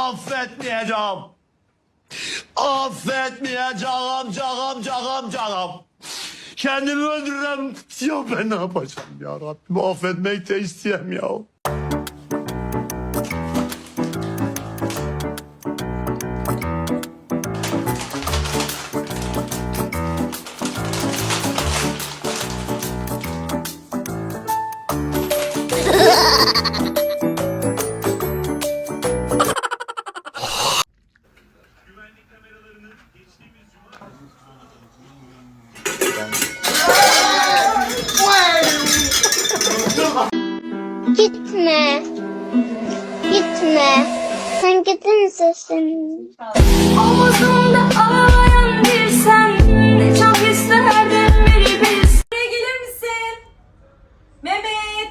affetmeyeceğim. Affetmeyeceğim, canım. Kendimi öldürürüm. Ya ben ne yapacağım ya Rabbim? Affetmek de isteyem ya. Gitme. Gitme. Sen gidince senin. Omuzumda ağlayan bir sen, ne çok isterdim biri bilsin. Buraya gelir misin? Mehmet,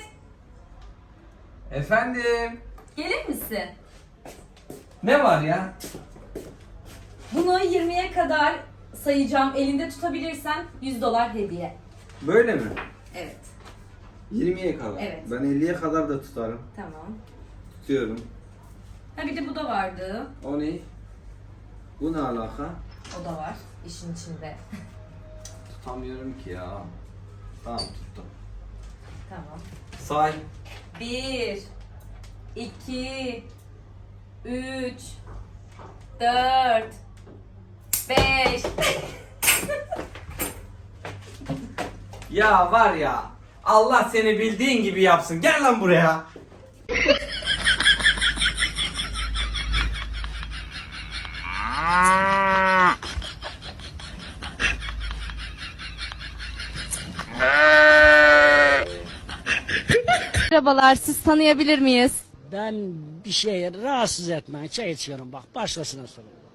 Efendim? gelir misin? Ne var ya? Bunu 20'ye kadar sayacağım. Elinde tutabilirsen $100 hediye. Böyle mi? Evet, 20'ye kadar. Evet. Ben 50'ye kadar da tutarım. tamam. Tutuyorum. Ha bir de bu da vardı. O ne? Bu ne alaka? O da var işin içinde. Tutamıyorum ki ya. Tamam tuttum. Tamam. Say. 1 2 3 4 5 Ya var ya. Allah seni bildiğin gibi yapsın. Gel lan buraya. Merhabalar, siz tanıyabilir miyiz? Ben bir şeye rahatsız etmeyin. Çay içiyorum bak. Başkasına sorun.